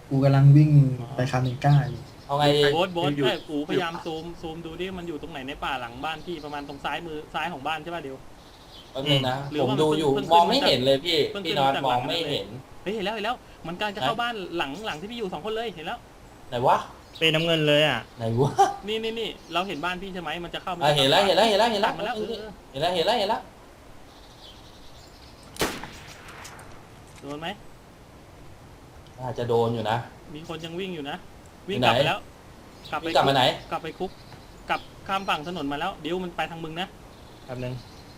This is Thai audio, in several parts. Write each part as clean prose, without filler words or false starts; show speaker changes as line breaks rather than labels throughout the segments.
กูกำลังวิ่งไปคาเมก้าอยู่
เอาไงดี
โบ๊ทใช่กูพยายามซูมดูดิมันอยู่ตรงไหนในป่าหลังบ้านพี่ประมาณตรงซ้ายมือซ้ายของบ้านใช่ป่ะเดี๋ยว
แป๊บนึงนะ
หรือ
ผม
ว่า
ดูอยู่
เพิ่ง
มองไม่เห็นเลยพี่
เพิ่ง
พี่
ขึ้น
น็อต
จาก
ม
หลั
อง
ง
ไม่เห็น
เฮ้ยเห็นแล้วมันกำลังจะเข้าบ้านหลังที่พี่อยู่2 คนเลยเห็นแล้ว
ไหนวะ
เป็นน้ำเงินเลยอ่ะ
ไหนวะ
นี่เราเห็นบ้านพี่ใช่ไหมมันจะเข้า
เห็นแล้วเห็นแล้วเห็นแล้วเห็นแล้ว
มาแล้ว
เห็นแล้วเห็นแล้วเห็นแล้ว
โดนไหม
อาจจะโดนอยู่นะ
มีคนยังวิ่งอยู่นะวิ่ง
อยู่
ก
ไหน
ลับไปแล้วกลับ
วิ่งกลับมาไหน
กลับไปคุกกลับข้ามฝั่งถนนมาแล้วเดี๋ยวมันไปทางมึงนะ
แป๊บนึง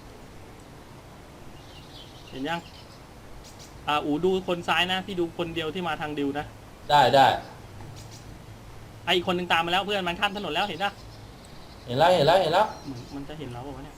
เห็นยังอูดูคนซ้ายนะพี่ดูคนเดียวที่มาทางดิวนะ
ได้ได้
ไออีกคนนึงตามมาแล้วเพื่อนมันข้ามถนนแล้วเห็นปะ
เห็นแล้วเห็นแล้วเห็นแล้ว
เหมือนมันจะเห็นเราเปล่าวะเนี่ย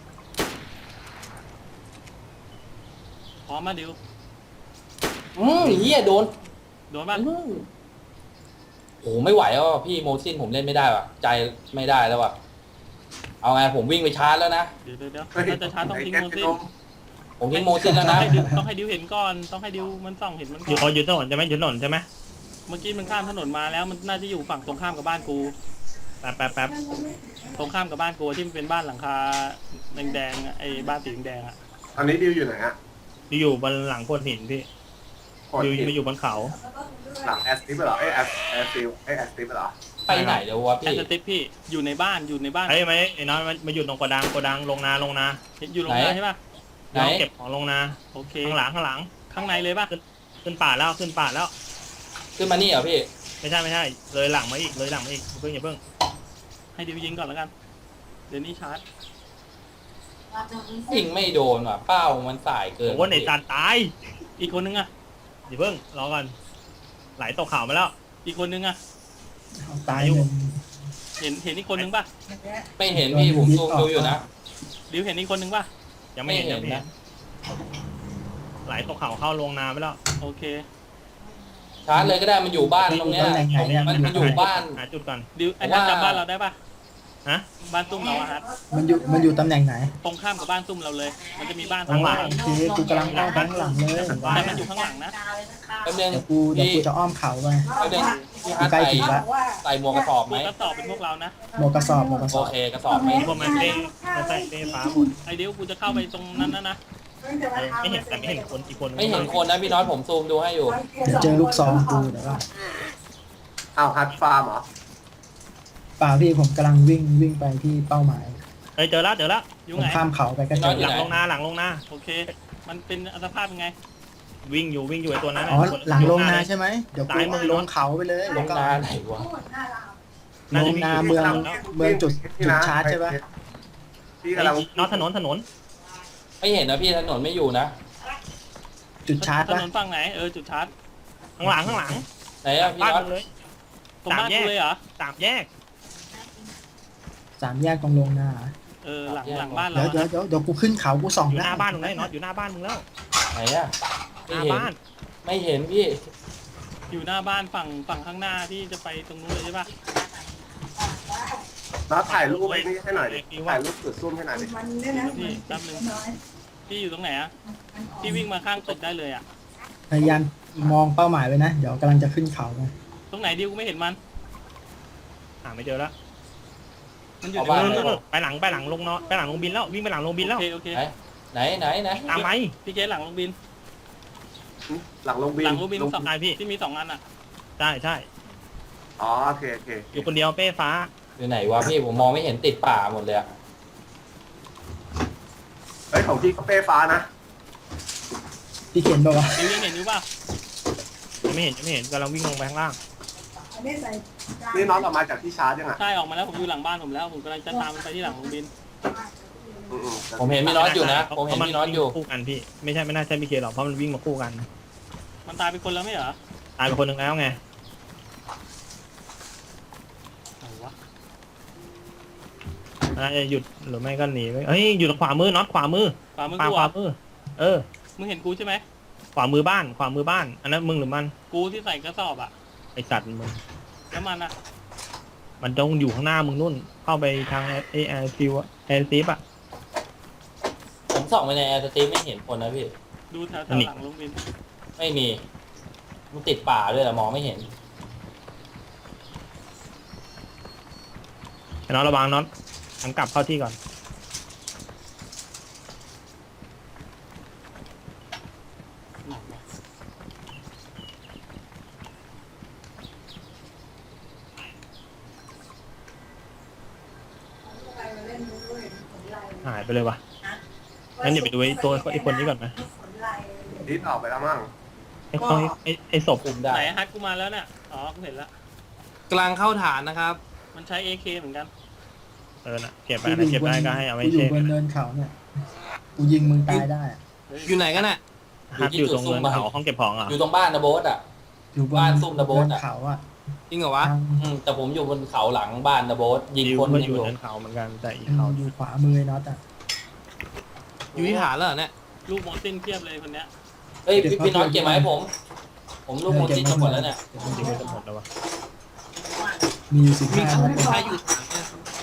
พร้อมมาดิว
เฮียโดน
โดนป่ะ
โอ้ไม่ไหวแล้วอะพี่โมซินผมเล่นไม่ได้ว่ะใจไม่ได้แล้วว่ะเอาไงผมวิ่งไปชาร์จแล้วนะ
เดี๋ยวถ้าจะชาร์จต้องทิ้งโมซิน
ผมทิ้งโมซินแล้วนะ
ต้องให้ดิวเห็นก่อนต้องให้ดิวมันส่องเห็นมันก่
อยู่
อน
อยู่ถนนใช่ไหมอยู่ถนนใช่ไหม
เมื่อกี้มันข้ามถนนมาแล้วมันน่าจะอยู่ฝั่งตรงข้ามกับบ้านกู
แป๊บ
ตรงข้ามกับบ้านกูที่มันเป็นบ้านหลังคาแดงๆอะไอ้บ้านสีแดงๆอ่ะ
ตอนนี้ดิวอยู่ไหนฮะ
อยู่บนหลังโขดหินพี่
กด
อยู่
ผิด
มาอยู่บนเขา
หลังแอสติฟเหรอเอ้ยแอสติฟแอสติฟเหรอ
ไปไหนเดี๋ยววะ
แอ
พี่
สติฟพี่อยู่ในบ้าน
ไอ้ไหมไอ้น้อยมาอยู่ตรงโกดังลงนา
เห็นอยู่โรงงานใช่ป่ะ
ไหน
น้องเก็บของลงนา
โอเค
ข้างหลัง
ข้างในเลยป่ะ
ขึ้นป่าแล้ว
ขึ้นมานี่เหรอพี่
ไม่ใช่เลยหลังมาอีกอย่าเพิ่ง
ให้ดิวยิงก่อนแล้วกัน เดี๋ยวนี้ชาร์จ
ยิงไม่โดนว่ะเป้ามันสายเกิน
โอ้โหในจานตาย
อีกคนนึงอ่ะ
อย่าเพิ่งรอก่อนไหลตกเขามาแล้ว
อีกคนนึงอ่ะ
ตายหนึ่ง
เห็นอีกคนนึงป่ะ
ไม่เห็นพี่ผมซูมดูอยู่นะ
ดิวเห็นอีกคนนึงป่ะ
ยังไม่เห็น
ไม่เห็น
นะ
นะ
ไหลตกเขาเข้าลงนาไปแล้ว
โอเค
ชาร์จเลยก็ได้มันอยู่บ้านตรงเนี้ย
ตำแหน่งไหนเนี่ย
มันอยู่บ้าน
หาจุดก่อน
ดิวไอ้ฮัทจำบ้านเราได้ป่ะ
ฮะ
บ้านตุ้มเราอะฮัท
มันอยู่ตำแหน่งไหน
ตรงข้ามกับบ้านตุ้มเราเลย มันจะมีบ้าน
ข้างหลัง
โอเคกูกำลังเข้าไปข้างหลังเลย
แต่มันอยู่ข้างหลังนะ
แป๊บนึง
เดี๋ยว
พี่
กูจะอ้อมเขาไป
แป๊บนึงพี่ฮัท
ใกล้
ใส่
ถึงแล้ว
ใส่หมวกกระสอบไห
พ
ม
วกกระสอบเป็นพวกเรานะ
หมวกกระสอบ
โอเคกระสอบไหม
พวกมันเต้ฟ้าหมด
ไอเดี๋ยวกูจะเข้าไปตรงนั้นนะ
ไม่เห็นแต่ไม่เห็นคนอีกคน
ไม่เห็นคนนะพี่น้อยผมซูมดูให้อยู่
เดี๋ยวเจอลูกซองกูเดี๋ยวว่า
อ้าวฮัทฟาร์มเหรอ
เปล่าพี่ผมกำลังวิ่งไปที่เป้าหมาย
เฮ้ยเจอแล้ว
อยู่
ผม
ไหน
ข้ามเขาไปก็เจอ
หลังลงนา
โอเค มันเป็นอัตภาพยังไง
วิ่งอยู่ไอ้ตัวนั้น
อ๋อหลังลงนาใช่ไหมเดี๋ยวกูลงเขาไปเลย
ล
แล้ว
ง
ก็
นาไหนวะ
ลงนาเมืองจุดชาร์จใช่ปะ
พี่กำลัง
น็อตถนน
ไม่เห็นนะพี่ถนนไม่อยู่นะ
จุดชาร์จ
ถ
ปะ
นนฝั่งไหนจุดชาร์จ
ข้างหลัง
ไหนอะพี่
บ้าน
น้อย
มึงเลย
ตรงบ้านกูเลยเหรอ
3 แยก
3 แยกตรงลงนา
หลังบ้านเรา
เดี๋ยวกูขึ้นเขากูส่อง
อยู่ห
แล้
น้าว บ้านมึงเลยน็อตอยู่หน้าบ้านมึงแล้ว
ไหนอะ
ห
ไม่
น้า
เห็น
บ้าน
ไม่เห็นพี่
อยู่หน้าบ้านฝั่งข้างหน้าที่จะไปตรงนู้นเลยใช่ปะ
น้าถ่ายรูปไอ้นี่ให้หน่อยดิถ่ายรูปจุดซุ่มให้หน่อยดิ
พี่แป๊บนึงพี่อยู่ตรงไหนอะพี่วิ่งมาข้างตึกได้เลยอะ
พยายามมองเป้าหมายไว้นะเดี๋ยวกำลังจะขึ้นเขาไป
ตรงไหนดิวกูไม่เห็นมัน
หาไม่เจอแล้ว
มันอยู่
เอาบ้าน
ไปหลังลงเนาะไปหลังลงบินแล้ววิ่งไปหลังลงบินแล้ว
โอเค
ไหน
ตามไหม
พี่เคสหลังลงบิน
หลังลงบิน
หลังลงบิน
ลง
สอง
ได้พี่
ที่มี2 อันอะ
ใช่
อ๋อโอเคโอเค
อยู่คนเดียวเป้ฟ้า
อยู่ไหนวะพี่ผมมองไม่เห็นติดป่าหมดเลยอะ
เฮ้ยของพี่ก็เป้ฟ้านะ
พี่เขียนบอกว่า
ดิวยังเห็นอยู่ป่ะ
ยังไม่เห็นกำลังวิ่งลงไปข้างล่าง
นี่น้องออกมาจากที่ชาร์จยังอ่ะ
ใช่ออกมาแล้วผมอยู่หลังบ้านผมแล้วผมกำลังจะตามมันไปที่หลังลงบิน
อืม
ผมเห็นพี่น้อยอยู่นะผมเห็นพี่น้อยอยู่
คู่กันพี่ไม่น่าใช่พี่เคหรอกเพราะมันวิ่งมาคู่กัน
มันตายเป็นคนแล้วไม่เหรอ
ตายไปคนหนึ่งแล้วไง
อะไรวะ
น่าจะหยุดหรือไม่ก็หนีไปเฮ้ยอยู่ทางขวามือน็อตขวามือ
ฝ่ามือ
ข
กู
วา
อะ
มืออ
มึงเห็นกูใช่ไหม
ขวามือบ้านอันนั้นมึงหรือมัน
กูที่ใส่กระสอบอะ
ไอสัตว์มึง
แล้วมันอะ
มันต้องอยู่ข้างหน้ามึงนู่นเข้าไปทางแอร์ซิวแอร์ซิฟอะ
ผมส่องไปในแอร์สตรีมไม่เห็นคนนะพี่
ดูแถว
อันนี้
หลังลงบิน
ไม่มีมันติดป่าด้วยอะมองไม่เห็น
ไอ้น็อตระวังน็อตหันกลับเข้าที่ก่อนหายไปเลยวะงั้นอย่าไปดูไอ้ตัวไอ้คนนี้ก่อนนะ
ดิสออกไปแล้วมั้ง
ไอ้ศพ
คุมได้
ไหนฮัทกูมาแล้วเนี่ยอ๋อกูเห็นละ
กลางเข้าฐานนะครับ
มันใช้ AK เหมือนกัน
น่ะเก็บไปนะเก็บได้ก็ให้เอาไว้
กูอยู่
เช็ค
บนเนินเขาเนี่ยกูยิงมึงตายได้อะ
เฮ้ย
อยู่ไหนกันน่ะ
ฮักอยู่ตรงเนินเขาห้องเก็บของอ่ะ
อยู่ตรงบ้านนะโบ๊ทอ่ะ
อยู่บน
บ้านซุ่มนะโบ๊ท
เนิ
อะ
นเขาอ่ะ
จริงเหรอวะ
ทาง
แต่ผมอยู่บนเขาหลังบ้านนะโบ๊ทยิง
ดิว
คน
ก็
ยัง
อยู่
อยู่
เนินเขาเหมือนกันแต่อีกเขา
อยู่ขวามือไอ้น็อตอ่ะ
อยู่ที่ฐานแล้วเหรอเนี่ย
ลูกโมซินเทียบเลยคนเนี้ย
เฮ้ยพี่น้อยเก็บมาให้ผมลูกโมจินมาหมดแล้วเนี่ย
จริงๆจะหมดแล้ววะ
มีอยู่
มี
15
ใคร
นัด
ใครอยู่ฐานเนี่ย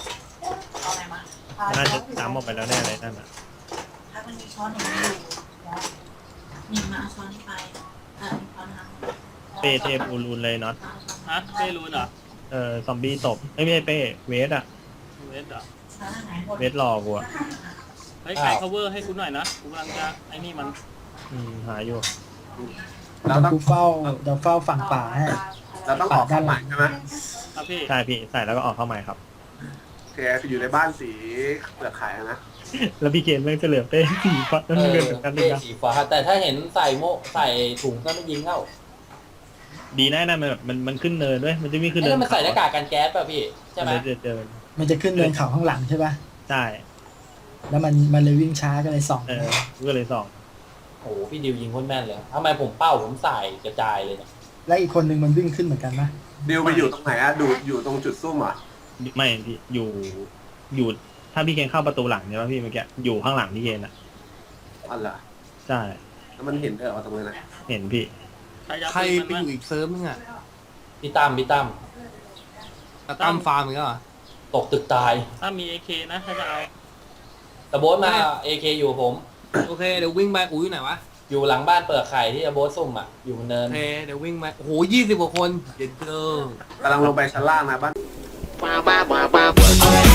น่าจะตามออกไปแล้วแน่เลยนั่นอ่ะ
ถ้ามันมีช้อนอย่างนี้อยู่แล้วนี่มาเอาช้อนไปช้อนทาง
เป้เทปูรูนเลยน็อต
ฮะเป้รูนเหรอ
ซอมบี้ตบไม่ใช่เป้เวสอ่ะ
เวสเหรอ
ช้อนทางไหนหมด
เวสรอกูอ่ะ
เฮ้ยใคร cover ให้กูหน่อยนะกูกำลังจะไอ้นี่มัน
หาอยู่
เรา
เดี๋ยว
ต้อง
กูเฝ้าฝั่งป่าให้
เราต้องออกเข้าใหม่ใช่ไหม
ครับพี่
ใช่พี่ใส่แล้วก็ออกเข้าใหม่ครับ
โอเคอยู่ในบ้านสีเปลือกไข่นะ
แล้วพี่เคนแม่งจะเหลือเป้สีฟ้าน้ำเงินเหมือนกันเลย
เป้
นะ
สีฟ้าแต่ถ้าเห็นใส่ใส่ถุงก็ไม่ยิงเข้า
ดีนะมันแบบมันขึ้นเนินด้วยมันจะวิ่งขึ้น
ไอ้
เนิ
นั่
น
นมันใส่หน้ากากกันแก๊สป่ะพี่ใช่ไหม
มันจะเดิน
มันจะขึ้นเนินเขาข้างหลังใช่ปะ
ใช่
แล้วมันเลยวิ่งช้าก็เลยส่อง
ก็เลยส่อง
โอ้โหพี่ดิวยิงโคนแม่นเลยทำไมผมเป้าผมใส่กระจายเลยเนี่ย
แล้วอีกคนนึงมันวิ่งขึ้นเหมือนกันนะ
ดิวไปอยู่ตรงไหนอะดูอยู่ตรงจุดซุ่มอ่ะ
ไม่พี่อยู่ถ้าพี่เคนเข้าประตูหลังใช่ป่ะพี่เมื่อกี้อยู่ข้างหลังพี่เคนอ่ะ
อันเหรอ
ใช่
แล้วมันเห็นเธอเอาตรงนั้นนะ
เห็นพี่
ใครจะ
ใคร
ปืน
ไป
มัน
อยู่อีกเซิร์ฟนึงอ่ะ
พี่ตั้ม
แต่ตั้มฟาร์มอีกแล้วเหรอ
ตกตึกตาย
ถ้ามี AK นะถ้าจะเอา
แต่โบ๊ทมาเอเคอยู่ผม
โอเคเดี๋ยววิ่งไปอูอยู่ไหนวะ
อยู่หลังบ้านเปิดไข่ที่โบ๊ทซุ่มอ่ะอยู่บนเนิ
โอน เคเดี๋ยววิ่งไปโอ้โห20 กว่าคนเด็ดเกิน
กำลังลงไปชั้นล่างนะบ้าน
ว้าว